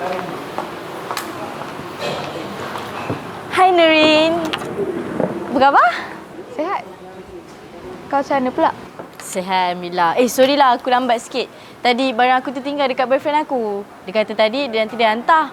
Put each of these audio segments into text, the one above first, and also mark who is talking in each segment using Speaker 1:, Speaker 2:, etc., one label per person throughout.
Speaker 1: Hai Nurin. Apa khabar?
Speaker 2: Sihat. Kau macam mana pula?
Speaker 1: Sihat, Alhamdulillah. Sorry lah aku lambat sikit. Tadi barang aku tertinggal dekat boyfriend aku. Dia kata tadi nanti dia hantar.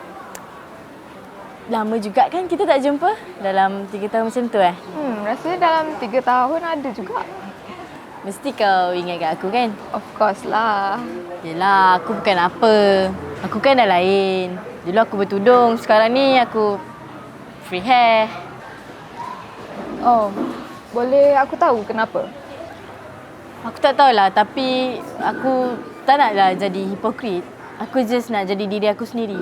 Speaker 1: Lama juga kan kita tak jumpa? Dalam 3 tahun macam tu
Speaker 2: Rasanya dalam 3 tahun ada juga.
Speaker 1: Mesti kau ingat kat aku kan?
Speaker 2: Of course lah.
Speaker 1: Yelah, aku bukan apa. Aku kan dah lain. Dulu aku bertudung, sekarang ni aku free hair.
Speaker 2: Oh, boleh aku tahu kenapa?
Speaker 1: Aku tak tahulah, tapi aku tak naklah jadi hipokrit. Aku just nak jadi diri aku sendiri.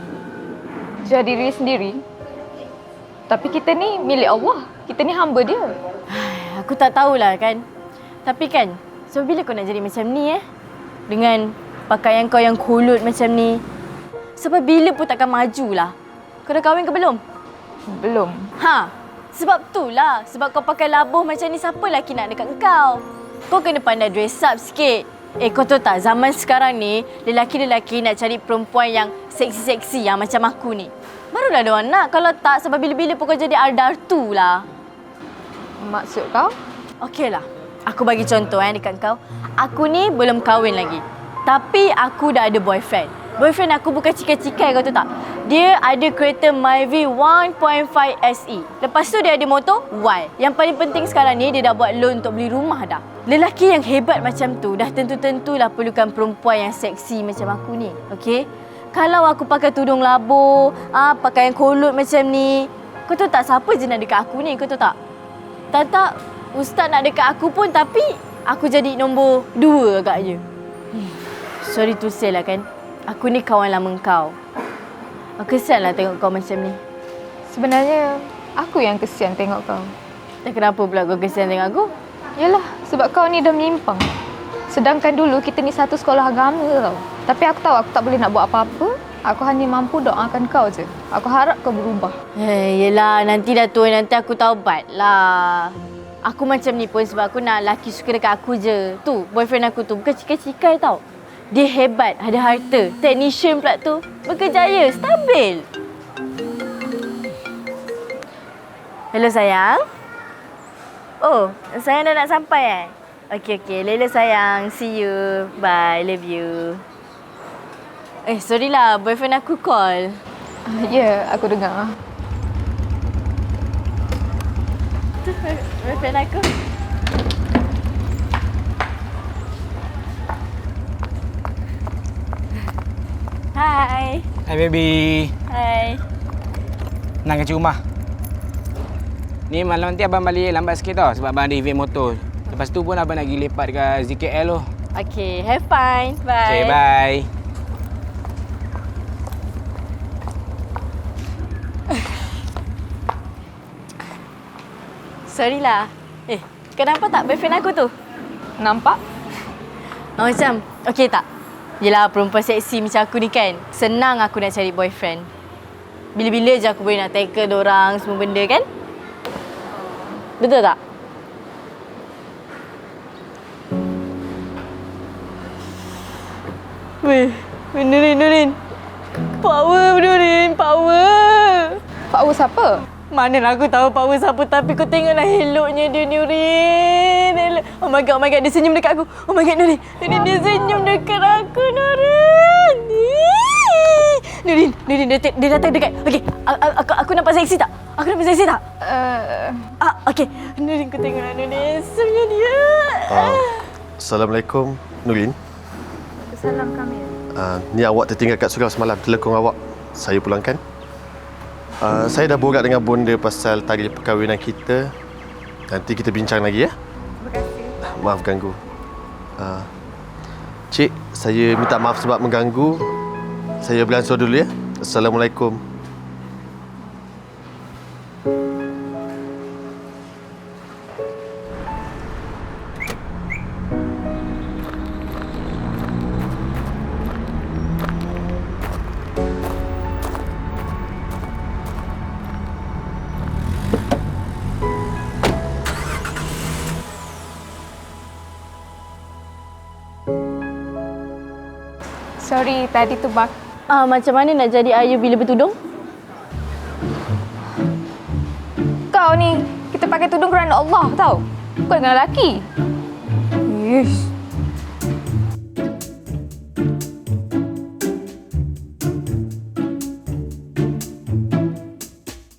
Speaker 2: Jadi diri sendiri. Tapi kita ni milik Allah. Kita ni hamba dia.
Speaker 1: Aku tak tahulah kan. Tapi kan, so bila kau nak jadi macam ni dengan pakaian kau yang kolot macam ni? Sebab bila pun takkan majulah. Kau dah kahwin ke belum?
Speaker 2: Belum.
Speaker 1: Sebab tu lah. Sebab kau pakai labuh macam ni, siapa lelaki nak dekat kau? Kau kena pandai dress up sikit. Kau tahu tak, zaman sekarang ni, lelaki-lelaki nak cari perempuan yang seksi-seksi yang macam aku ni. Barulah dia orang nak. Kalau tak, sebab bila-bila pun kau jadi ardartu lah.
Speaker 2: Maksud kau?
Speaker 1: Okeylah. Aku bagi contoh dekat kau. Aku ni belum kahwin lagi. Tapi aku dah ada boyfriend. Boyfriend aku bukan cikai-cikai, kau tahu tak? Dia ada kereta Myvi 1.5 SE. Lepas tu dia ada motor Y. Yang paling penting sekarang ni dia dah buat loan untuk beli rumah dah. Lelaki yang hebat macam tu dah tentu-tentulah perlukan perempuan yang seksi macam aku ni. Okey? Kalau aku pakai tudung labuh, pakai yang kolot macam ni, kau tahu tak siapa je nak dekat aku ni, kau tahu tak? Tak, ustaz nak dekat aku pun tapi aku jadi nombor 2 agaknya. Sorry to say lah kan. Aku ni kawan lama kau. Aku kesian lah tengok kau macam ni.
Speaker 2: Sebenarnya, aku yang kesian tengok kau.
Speaker 1: Dan kenapa pula kau kesian tengok aku?
Speaker 2: Yalah, sebab kau ni dah menyimpang. Sedangkan dulu kita ni satu sekolah agama tau. Tapi aku tahu aku tak boleh nak buat apa-apa. Aku hanya mampu doakan kau je. Aku harap kau berubah.
Speaker 1: Yelah, nanti dah tua, nanti aku taubat lah. Aku macam ni pun sebab aku nak lelaki suka dekat aku je. Tu, boyfriend aku tu bukan cikai-cikai tau. Dia hebat, ada harta. Technician pula tu. Berkejaya, stabil. Hello sayang. Oh, sayang dah nak sampai Okey. Lela sayang. See you. Bye. Love you. Sorry lah. Boyfriend aku call.
Speaker 2: Ya, aku dengar.
Speaker 1: Tu, boyfriend aku. Hai.
Speaker 3: Hai baby.
Speaker 1: Hai.
Speaker 3: Nak kerja rumah. Ni malam nanti abang balik lambat sikit tau sebab abang ada event motor. Lepas tu pun abang nak pergi lepak dekat ZKL tu.
Speaker 1: Okay, have fun. Bye.
Speaker 3: Okay, bye.
Speaker 1: Sorry lah. Kau nampak tak boyfriend aku tu?
Speaker 2: Nampak?
Speaker 1: Macam, okay tak? Yelah, perempuan seksi macam aku ni kan, senang aku nak cari boyfriend. Bila-bila je aku boleh nak tackle dorang, semua benda kan? Betul tak? Weh, Nurin. Power, Nurin, power.
Speaker 2: Power siapa?
Speaker 1: Mana aku tahu power siapa, tapi kau tengoklah eloknya dia, Nurin. Elok. Oh my god, dia senyum dekat aku. Oh my god, Nurin. Dia senyum dekat aku, Nurin. Nurin, dia datang dekat. Okey, aku nampak seksi tak? Aku nampak seksi tak? Okey. Nurin, kau tengoklah Nurin. Senyumnya dia.
Speaker 4: Assalamualaikum, Nurin.
Speaker 2: Salam kami.
Speaker 4: Ni awak tertinggal kat surau semalam. Telekong awak. Saya pulangkan. Saya dah borak dengan bonda pasal tarikh perkahwinan kita. Nanti kita bincang lagi ya.
Speaker 2: Terima kasih.
Speaker 4: Maaf ganggu. Cik, saya minta maaf sebab mengganggu. Saya beransur dulu ya. Assalamualaikum.
Speaker 2: Sorry, tadi tu
Speaker 1: Macam mana nak jadi ayah bila bertudung?
Speaker 2: Kau ni, kita pakai tudung kerana Allah tau. Bukan dengan lelaki. Ish.